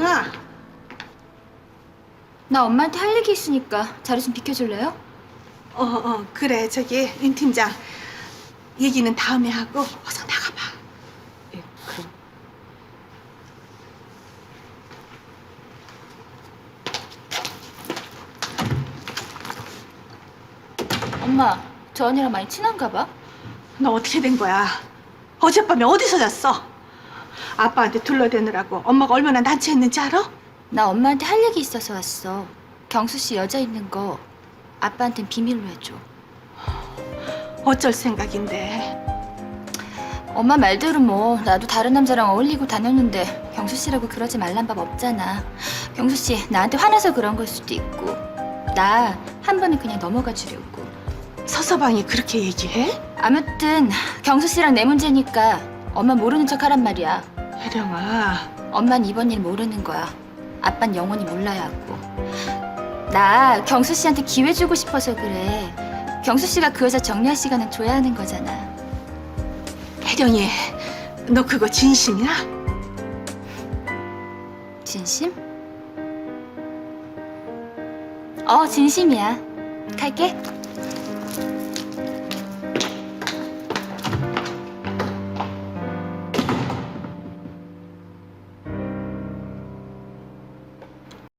혜령아. 나 엄마한테 할 얘기 있으니까 자리 좀 비켜줄래요? 그래. 저기 임 팀장. 얘기는 다음에 하고 어서 나가봐. 예, 그럼. 엄마, 저 언니랑 많이 친한가 봐? 너 어떻게 된 거야? 어젯밤에 어디서 잤어? 아빠한테 둘러대느라고 엄마가 얼마나 난처했는지 알아? 나 엄마한테 할 얘기 있어서 왔어. 경수 씨 여자 있는 거 아빠한텐 비밀로 해줘. 어쩔 생각인데. 엄마 말대로 뭐 나도 다른 남자랑 어울리고 다녔는데 경수 씨라고 그러지 말란 법 없잖아. 경수 씨 나한테 화나서 그런 걸 수도 있고 나 한 번은 그냥 넘어가 주려고. 서서방이 그렇게 얘기해? 아무튼 경수 씨랑 내 문제니까 엄마 모르는 척 하란 말이야. 혜령아. 엄만 이번 일 모르는 거야. 아빤 영원히 몰라야 하고. 나 경수 씨한테 기회 주고 싶어서 그래. 경수 씨가 그 여자 정리할 시간은 줘야 하는 거잖아. 혜령이, 너 그거 진심이야? 진심? 진심이야. 갈게.